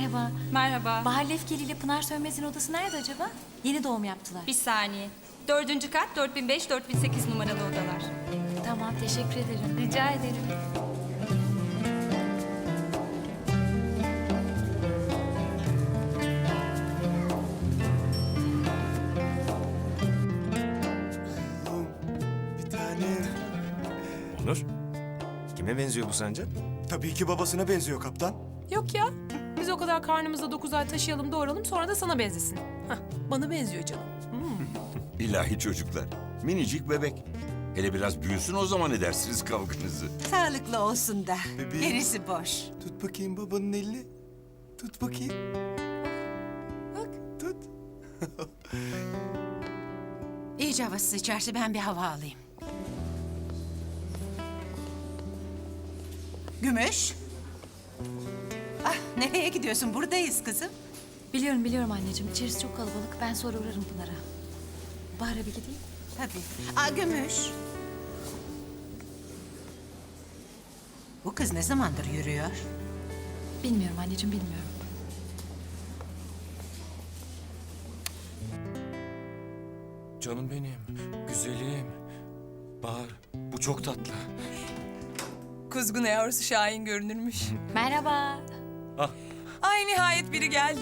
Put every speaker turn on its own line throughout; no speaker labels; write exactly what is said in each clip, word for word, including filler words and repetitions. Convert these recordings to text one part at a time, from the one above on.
Merhaba.
Merhaba.
Bahar Lefkeli ile Pınar Sönmez'in odası nerede acaba? Yeni doğum yaptılar.
Bir saniye. Dördüncü kat dört bin beş dört bin sekiz numaralı odalar.
Tamam, teşekkür ederim.
Rica ederim.
Bir tane.
Onur, kime benziyor bu sence?
Tabii ki babasına benziyor kaptan.
Yok ya. Biz o kadar karnımızda dokuz ay taşıyalım doğuralım sonra da sana benzesin. Hah, bana benziyor canım.
İlahi çocuklar. Minicik bebek. Hele biraz büyüsün o zaman edersiniz kavganızı.
Sağlıklı olsun da.
Bebeğim.
Gerisi boş.
Tut bakayım babanın elini. Tut bakayım.
Bak.
Tut.
İyice havası sıçarsa ben bir hava alayım. Gümüş. Ah, nereye gidiyorsun? Buradayız kızım.
Biliyorum biliyorum anneciğim. İçerisi çok kalabalık. Ben sonra uğrarım Pınar'a. Bahar'a bir gideyim.
Tabii. Aa, Gümüş. Bu kız ne zamandır yürüyor?
Bilmiyorum anneciğim, bilmiyorum.
Canım benim, güzelim. Bahar, bu çok tatlı.
Kuzgun yavrusu Şahin görünürmüş.
Merhaba.
Ay nihayet biri geldi.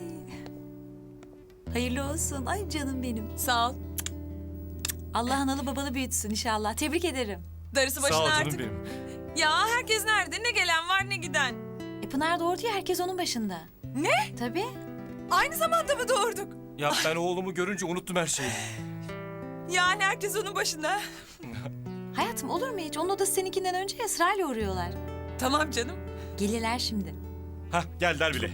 Hayırlı olsun. Ay canım benim.
Sağ ol.
Allah analı babalı büyütsün inşallah. Tebrik ederim.
Darısı başına
Sağ ol canım
artık.
benim.
Ya herkes nerede? Ne gelen var ne giden.
E Pınar doğurdu ya, herkes onun başında.
Ne?
Tabii.
Aynı zamanda mı doğurduk?
Ya ben oğlumu görünce unuttum her şeyi.
Yani herkes onun başında.
Hayatım olur mu hiç? Onun odası seninkinden önce ya, sırayla uğruyorlar.
Tamam canım.
Gelirler şimdi.
Hah, geldiler bile.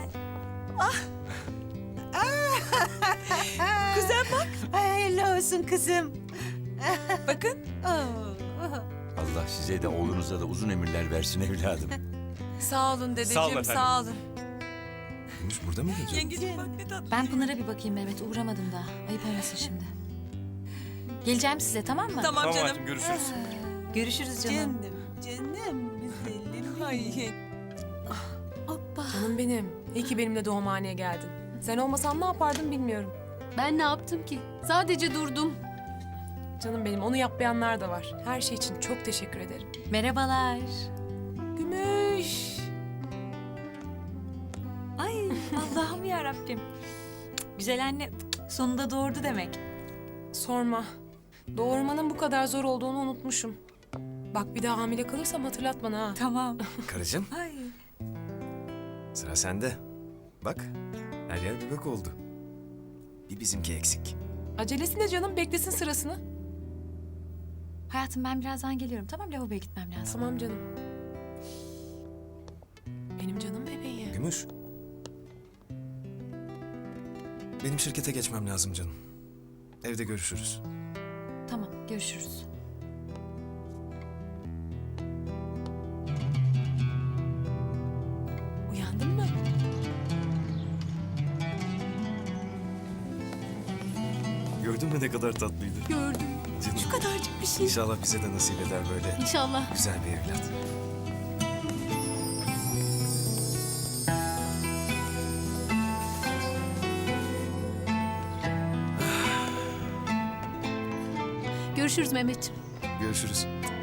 Kuzen bak.
Ay, hayırlı olsun kızım.
Bakın.
Oo.
Allah size de oğlunuza da uzun ömürler versin evladım.
Sağ olun
Sağ olun
dedeciğim.
efendim.
Sağ olun.
Gümüş burada mıydı acaba?
Yengeciğim bak ne tatlı.
Ben Pınar'a bir bakayım Mehmet. Uğramadım daha. Ayıp olmasın şimdi. Geleceğim size, tamam mı?
Tamam,
Tamam
canım.
hayatım, görüşürüz.
Görüşürüz canım.
Canım, canım güzelim.
Ay.
Hoppa.
Canım benim. İyi ki benimle doğumhaneye geldin. Sen olmasan ne yapardım bilmiyorum.
Ben ne yaptım ki? Sadece durdum.
Canım benim, onu yapmayanlar da var. Her şey için çok teşekkür ederim.
Merhabalar.
Gümüş.
Ay Allah'ım ya Rabbim. Güzel anne sonunda doğurdu demek.
Sorma. Doğurmanın bu kadar zor olduğunu unutmuşum. Bak bir daha hamile kalırsam hatırlat bana ha.
Tamam.
Karıcığım,
Ay.
sıra sende. Bak, her yer bebek oldu. Bir bizimki eksik.
Acelesi ne canım? Beklesin sırasını.
Hayatım ben birazdan geliyorum. Tamam, lavaboya gitmem lazım.
Tamam canım. Benim canım bebeğim.
Gümüş. Benim şirkete geçmem lazım canım. Evde görüşürüz.
Tamam, görüşürüz.
Uyandın mı?
Gördün mü ne kadar tatlıydı?
Gördüm.
Canım.
Şu kadarcık bir şey.
İnşallah bize de nasip eder böyle
İnşallah.
güzel bir evlat.
Görüşürüz Mehmetciğim.
Görüşürüz.